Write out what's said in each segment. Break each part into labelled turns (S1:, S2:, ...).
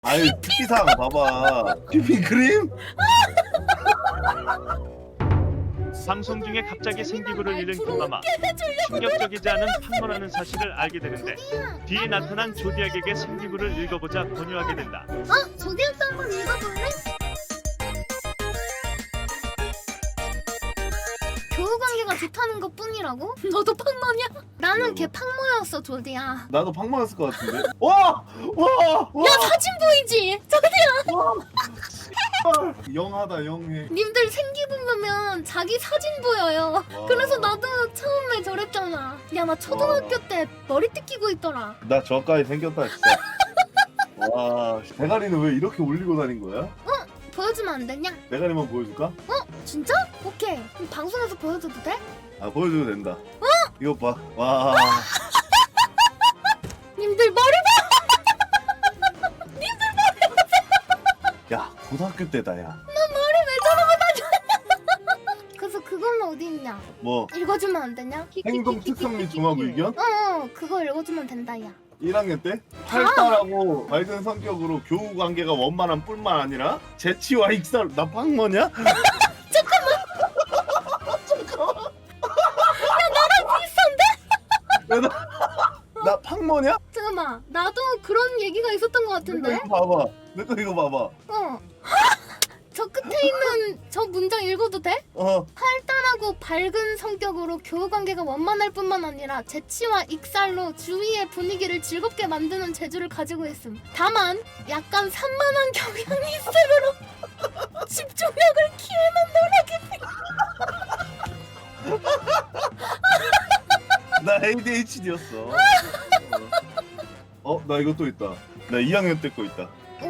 S1: 아니 특기사항 봐봐. 휘핑크림?
S2: 방송 중에 갑자기 생기부를 잃은 김마마. 충격적이지 않은 팡머라는 사실을 알게 되는데 뒤에 나타난 조디악에게 생기부를 읽어보자 권유하게 된다.
S3: 조디악도 한번 읽어볼래? 교우관계가 좋다는 것 뿐이라고? 너도 팡머냐? 나는 걔 팡머였어 조디야.
S1: 나도 팡망했을 것 같은데. 와!
S3: 야 사진 보이지? 조디야.
S1: 영하다 영해.
S3: 님들 생기부 보면 자기 사진 보여요.
S1: 와.
S3: 그래서 나도 처음에 저랬잖아. 야 나 초등학교 때 머리띠 끼고 있더라.
S1: 나 저까지 생겼다 진짜. 와, 대가리는 왜 이렇게 올리고 다닌 거야?
S3: 보여주면 안 되냐?
S1: 대가리만 보여줄까?
S3: 진짜? 오케이. 그럼 방송에서 보여줘도 돼?
S1: 아 보여줘도 된다. 이거 봐. 와.
S3: 님들 머리
S1: 야 고등학교 때다 야.
S3: 머리 왜 저러고 다녀? 그래서 그건 어디 있냐?
S1: 뭐
S3: 읽어주면 안 되냐?
S1: 행동 특성 및 종합 의견?
S3: 그거 읽어주면 된다 야.
S1: 1학년 때 활달하고 밝은 성격으로 교우 관계가 원만한 뿐만 아니라 재치와 익살. 나 팡머냐?
S3: 비슷한데?
S1: 나 팡머냐?
S3: 잠깐만 나도 그런 얘기가 있었던 것
S1: 내거
S3: 같은데?
S1: 이거 봐봐. 내거 이거 봐봐.
S3: 저 끝에 있는 저 문장 읽어도 돼?
S1: 어.
S3: 활달하고 밝은 성격으로 교우관계가 원만할 뿐만 아니라 재치와 익살로 주위의 분위기를 즐겁게 만드는 재주를 가지고 있음. 다만 약간 산만한 경향이 있으므로 집중력을 키우는 노력이
S1: 나 ADHD였어. 나 이거 또 있다. 나 2학년 때 거 있다.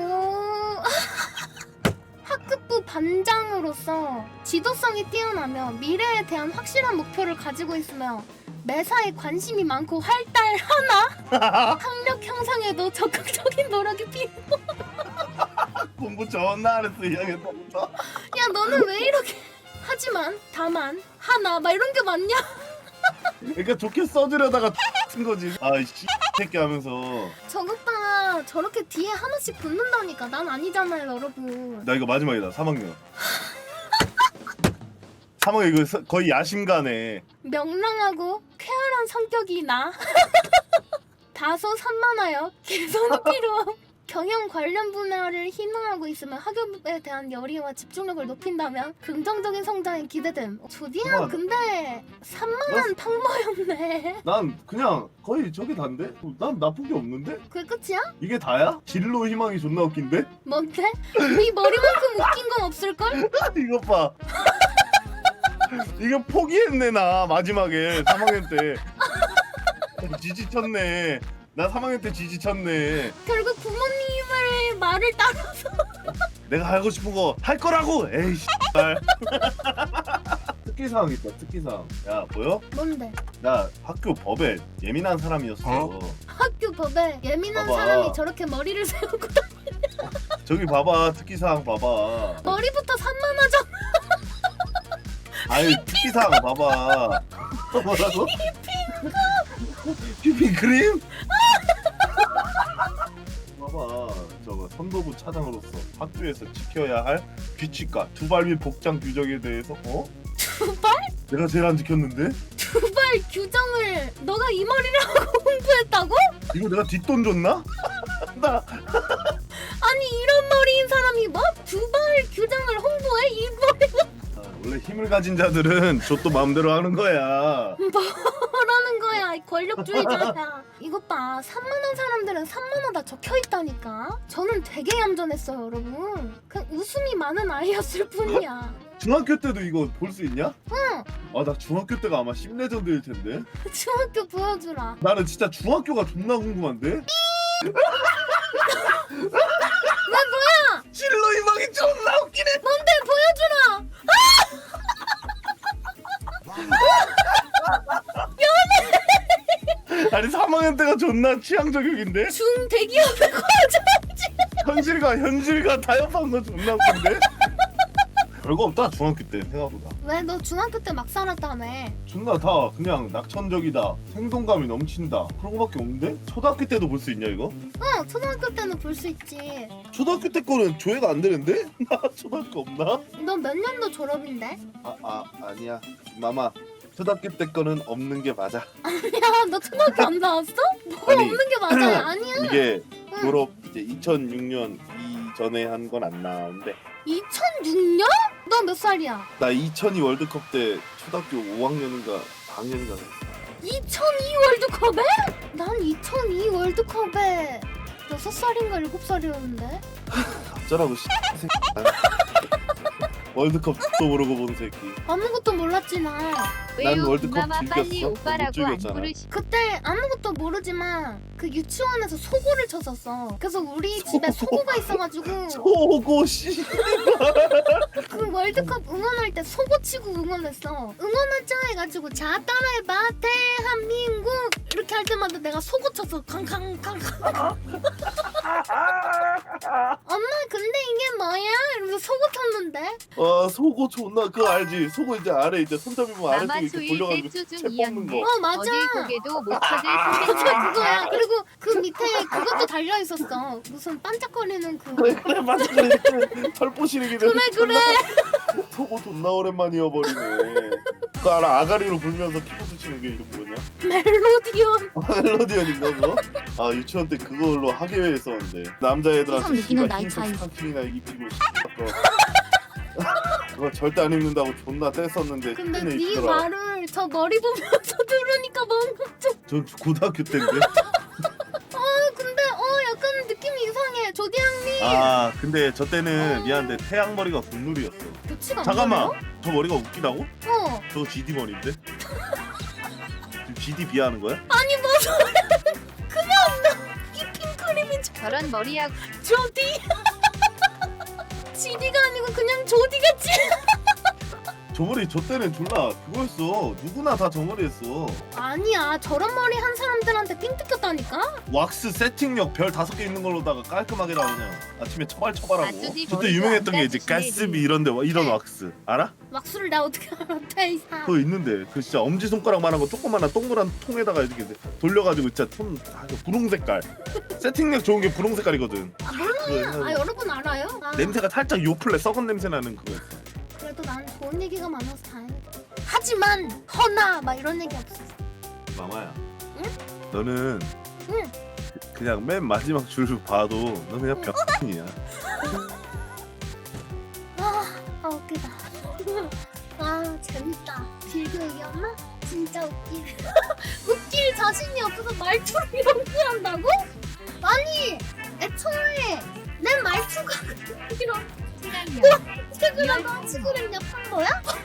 S3: 학급부 반장으로서 지도성이 뛰어나며 미래에 대한 확실한 목표를 가지고 있으며 매사에 관심이 많고 활달하나 학력 향상에도 적극적인 노력이 필요.
S1: 공부 존나 안 했어 2학년 때부터.
S3: 야 너는 왜 이렇게 하지만 다만 하나 막 이런 게 많냐?
S1: 그러니까 좋게 써주려다가 쓴 거지. 아이씨 새끼 하면서.
S3: 저것봐 저렇게 뒤에 하나씩 붙는다니까. 난 아니잖아요 여러분.
S1: 나 이거 마지막이다. 3학년. 3학년 이거 거의 야심가네.
S3: 명랑하고 쾌활한 성격이 나. 다소 산만하여 개선이 필요함. 경영 관련 분야를 희망하고 있으면 학업에 대한 열의와 집중력을 높인다면 긍정적인 성장이 기대됨. 조디야
S1: 그만.
S3: 근데 산만한 팡머였네.
S1: 난 그냥 거의 저게 단데? 난 나쁜 게 없는데?
S3: 그게 끝이야?
S1: 이게 다야? 진로 희망이 존나 웃긴데?
S3: 뭔데? 네 머리만큼 웃긴 건 없을걸?
S1: 이거 봐. 이거 포기했네 나 마지막에 3학년 때. 지지쳤네. 나 3학년 때 지지쳤네.
S3: 결국 부모님의 말을 따라서.
S1: 내가 하고 싶은 거 할 거라고. 에이씨. 특기사항 있다. 특기사항. 야 보여?
S3: 뭔데?
S1: 나 학교 법에 예민한 사람이었어.
S3: 학교 법에 예민한
S1: 봐봐.
S3: 사람이 저렇게 머리를 세우고
S1: 저기 봐봐. 특기사항 봐봐.
S3: 머리부터 산만하잖아.
S1: 아니 특기사항 봐봐. 뭐라고? 휘핑크림? 봐봐. 저거 선도부 차장으로서 학교에서 지켜야 할 규칙과 두발 및 복장 규정에 대해서
S3: 두발?
S1: 내가 제일 안 지켰는데?
S3: 두발 규정을 너가 이 머리를 하고 공부했다고?
S1: 이거 내가 뒷돈 줬나? 나
S3: 아니 이런 머리인 사람이 뭐? 두발 규정을 홍보해? 이 머리가
S1: 원래 힘을 가진 자들은 저또 마음대로 하는 거야.
S3: 뭐라는 거야 이 권력주의자야. 이것 봐 산만한 사람들은 산만하다 적혀있다니까. 저는 되게 얌전했어요 여러분. 그냥 웃음이 많은 아이였을 뿐이야.
S1: 중학교 때도 이거 볼 수 있냐?
S3: 응.
S1: 아 나 중학교 때가 아마 10레전드일 텐데.
S3: 중학교 보여주라.
S1: 나는 진짜 중학교가 존나 궁금한데?
S3: 왜 뭐야?
S1: 진로 희망이 존나 웃기네.
S3: 뭔데 보여주라.
S1: 아니 3학년 때가 존나 취향 저격인데?
S3: 중대기업에 거여줘야지.
S1: 현실과 타협한 거 존나 웃긴데? 별거 없다 중학교 때 생각보다.
S3: 왜 너 중학교 때 막 살았다며?
S1: 존나 다 그냥 낙천적이다. 생동감이 넘친다. 그런 거밖에 없는데? 초등학교 때도 볼 수 있냐 이거?
S3: 응, 초등학교 때는 볼 수 있지.
S1: 초등학교 때 거는 조회가 안 되는데? 나 초등학교 없나?
S3: 너 몇 년도 졸업인데?
S1: 아니야. 마마. 초등학교 때 거는 없는 게 맞아.
S3: 야, 너 초등학교 안 나왔어? 뭐
S1: 아니,
S3: 없는 게 맞아. 아니야.
S1: 이게
S3: 응.
S1: 졸업 이제 2006년 이전에 한 건 안 나오는데
S3: 2006년? 너 몇 살이야?
S1: 나 2002 월드컵 때 초등학교 5학년인가 4학년인가
S3: 2002 월드컵에? 난 2002 월드컵에 6살인가 7살이었는데?
S1: 어쩌라고 월드컵 또 모르고 본 새끼.
S3: 아무것도 몰랐지 나.
S1: 난 월드컵
S4: 마마 빨리
S1: 즐겼어. 못
S4: 오빠라고 안
S1: 즐겼잖아.
S4: 부르시.
S3: 그때 아무것도 모르지만 그 유치원에서 소고를 쳤었어. 그래서 우리 집에 소고가 있어가지고
S1: 소고 씨.
S3: 그 월드컵 응원할 때 소고 치고 응원했어. 응원하자 해가지고 자 따라해봐 대한민국 이렇게 할 때마다 내가 소고 쳤어. 캉캉캉. 엄마 근데 이게 뭐야? 이러면서 소고 쳤는데.
S1: 소고 존나 그거 알지? 소고 이제 아래 이제 손잡이 보면
S4: 마마
S1: 아래쪽에 이렇게
S4: 초일
S1: 돌려가지고
S4: 때
S1: 채
S4: 쭈중
S1: 뽑는 거.
S4: 이었네.
S3: 맞아.
S4: 어딜 고개도 못 찾을
S3: 맞아
S4: 선생님.
S3: 그거야. 그리고 그 밑에 그것도 달려 있었어. 무슨 반짝거리는 그.
S1: 그래 맞아 그래. 털보시르기
S3: 그래.
S1: 소고 존나 오랜만이어버리네. 그거 알아? 아가리로 불면서 키보드 치는 게 이름 뭐냐?
S3: 멜로디언.
S1: 멜로디언인가 그거? 아 유치원 때 그걸로 학예회 했었는데 남자애들한테
S5: 세상 느끼는 나이
S1: 흰색
S5: 차이.
S1: 스타킹이나 입히고 그거 절대 안 입는다고 존나 뗐었는데
S3: 근데
S1: 끈에
S3: 네
S1: 입더라.
S3: 말을 저 머리 보면서 들으니까 뭔가 좀.
S1: 전 고등학교 때인데.
S3: 근데 약간 느낌이 이상해. 조디양님
S1: 아 근데 저 때는 미안한데 태양 머리가 국룰이었어.
S3: 교치가 안
S1: 잠깐만
S3: 걸려?
S1: 저 머리가 웃기다고?
S3: 어.
S1: 저거 GD 머리인데? 지금 GD 비하하는 거야?
S3: 아니 뭐 소리야. 그냥 이 핑크림이
S4: 저런 머리하고
S3: 조디. 지디가 아니고 그냥 조디같이.
S1: 저 머리 저 때는 졸라 그거였어. 누구나 다 저 머리 했어.
S3: 아니야 저런 머리 한 사람들한테 삥 뜯겼다니까.
S1: 왁스 세팅력 별 5개 있는 걸로다가 깔끔하게 다 그냥 아침에 처발처발하고.
S4: 아주디
S1: 저때
S4: 머리도
S1: 유명했던 게
S4: 안
S1: 이제
S4: 깎으시네.
S1: 가스비 이런데 이런 왁스 알아?
S3: 왁스를 나 어떻게 알아? 대이사.
S1: 그거 있는데 그 진짜 엄지 손가락만한 거 조그만한 동그란 통에다가 이렇게 돌려가지고 진짜 분홍 색깔. 세팅력 좋은 게 분홍 색깔이거든.
S3: 아 몰라요. 아 여러분 알아요? 아,
S1: 냄새가 살짝 요플레 썩은 냄새 나는 그거 있어.
S3: 그래도 난 좋은 얘기가 많아서 다행이다. 하지만 허나 막 이런 얘기 없었어.
S1: 마마야.
S3: 응?
S1: 너는
S3: 응.
S1: 그냥 맨 마지막 줄 봐도 너 그냥 병이야.
S3: 아 웃기다. 아 재밌다. 빌드이었나? 진짜 웃기. 웃길 자신이 없어서 말투를 연기한다고? 아니 애초에 내 말투가 이런 최근에 친구랑 yap한 거야?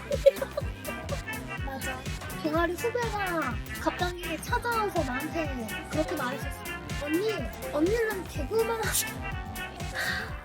S3: 맞아. 동아리 후배가 갑자기 찾아와서 나한테 그렇게 말했었어. 언니는 개그만 하셔.